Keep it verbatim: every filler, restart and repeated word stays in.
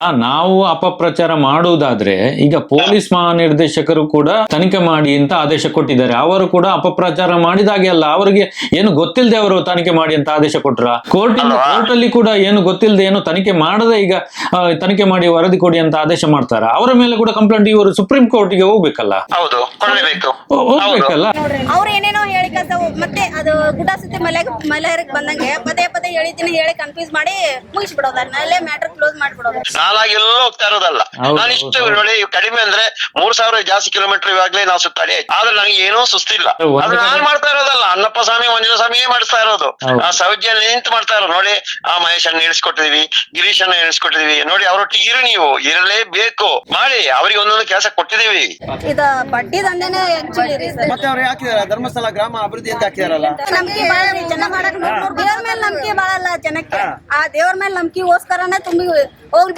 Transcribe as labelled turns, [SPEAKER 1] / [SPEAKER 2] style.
[SPEAKER 1] ನಾವು ಅಪಪ್ರಚಾರ ಮಾಡುವುದಾದ್ರೆ ಈಗ ಪೊಲೀಸ್ ಮಹಾನಿರ್ದೇಶಕರು ಕೂಡ ತನಿಖೆ ಮಾಡಿ ಅಂತ ಆದೇಶ ಕೊಟ್ಟಿದ್ದಾರೆ. ಅವರು ಕೂಡ ಅಪಪ್ರಚಾರ ಮಾಡಿದಾಗೆ ಅಲ್ಲ, ಅವರಿಗೆ ಏನು ಗೊತ್ತಿಲ್ಲದೆ ಅವರು ತನಿಖೆ ಮಾಡಿ ಅಂತ ಆದೇಶ ಕೊಟ್ರ. ಕೋರ್ಟ್ ಕೋರ್ಟ್ ಅಲ್ಲಿ ಕೂಡ ಏನು ಗೊತ್ತಿಲ್ಲದೆ ಏನು ತನಿಖೆ ಮಾಡದೆ ಈಗ ತನಿಖೆ ಮಾಡಿ ವರದಿ ಕೊಡಿ ಅಂತ ಆದೇಶ ಮಾಡ್ತಾರ. ಅವರ ಮೇಲೆ ಕೂಡ ಕಂಪ್ಲೇಂಟ್ ಇವರು ಸುಪ್ರೀಂ ಕೋರ್ಟ್ ಗೆ ಹೋಗ್ಬೇಕಲ್ಲ.
[SPEAKER 2] ಹೌದು,
[SPEAKER 1] ಹೋಗ್ಬೇಕಲ್ಲ.
[SPEAKER 3] ಅವ್ರು ಏನೇನೋ ಹೇಳಿ ಮತ್ತೆ ಅದು ಗುಡ್ಡ ಸುತ್ತಿ ಮಲೆ ಮಲೆಯರಿಗೆ ಬಂದಂಗೆ ಪದೇ ಪದೇ ಹೇಳಿದ್ದೀನಿ ಹೇಳಿ ಕನ್ಫ್ಯೂಸ್ ಮಾಡಿ ಮುಗಿಸ್ಬಿಡೋದು, ಅಲ್ಲೇ ಮ್ಯಾಟರ್ ಕ್ಲೋಸ್ ಮಾಡ್ಬಿಡೋದು.
[SPEAKER 2] ನಾಲಾಗಿ ಎಲ್ಲೋ ಹೋಗ್ತಾ ಇರೋದಲ್ಲ. ನಾನು ಇಷ್ಟು ನೋಡಿ ಕಡಿಮೆ ಅಂದ್ರೆ ಮೂರ್ ಸಾವಿರ ಜಾಸ್ತಿ ಕಿಲೋಮೀಟರ್ ಇವಾಗ್ಲೇ ನಾವು ಸುತ್ತಾಡಿ, ಆದ್ರೆ ನನಗೆ ಏನೋ ಸುಸ್ತಿಲ್ಲ. ಅದು ನಾನ್ ಮಾಡ್ತಾ ಇರೋದಲ್ಲ, ಅಣ್ಣಪ್ಪ ಸ್ವಾಮಿ ಮಂಜುನಾಥ ಸ್ವಾಮಿಯೇ ಮಾಡಿಸ್ತಾ ಇರೋದು. ಆ ಸೌಜ್ಯ ನಿಂತು ಮಾಡ್ತಾ ಇರೋದು ನೋಡಿ. ಆ ಮಹೇಶನ್ನ ಇಳಿಸ್ಕೊಟ್ಟಿದೀವಿ, ಗಿರೀಶನ್ನ ಇಳಿಸ್ಕೊಟ್ಟಿದೀವಿ ನೋಡಿ. ಅವ್ರೊಟ್ಟಿಗೆ ಇರು, ನೀವು ಇರಲೇಬೇಕು, ಮಾಡಿ. ಅವ್ರಿಗೆ ಒಂದೊಂದು ಕೆಲಸ ಕೊಟ್ಟಿದೀವಿ.
[SPEAKER 3] ಇದು ಬಡ್ಡಿ ದಂಧೆನೇ ಆಕ್ಚುಲಿ
[SPEAKER 4] ಮತ್ತೆ ಅವ್ರು ಹಾಕಿದಾರೆ ಧರ್ಮಸ್ಥಳ ಗ್ರಾಮ ಅಭಿವೃದ್ಧಿ ಅಂತ ಹಾಕಿದಾರಲ್ಲ.
[SPEAKER 3] ನಂಬಿಕೆ ಬಾಳ ಜನ ಮಾಡಕ್ ದೇವ್ರ ಮೇಲೆ ನಂಬಿಕೆ ಬಾಳಲ್ಲ ಜನಕ್ಕೆ. ಆ ದೇವ್ರ ಮೇಲೆ ನಂಬಿಕೆಗೋಸ್ಕರನೇ ತುಂಬಿ ಹೋಗ್ಲಿ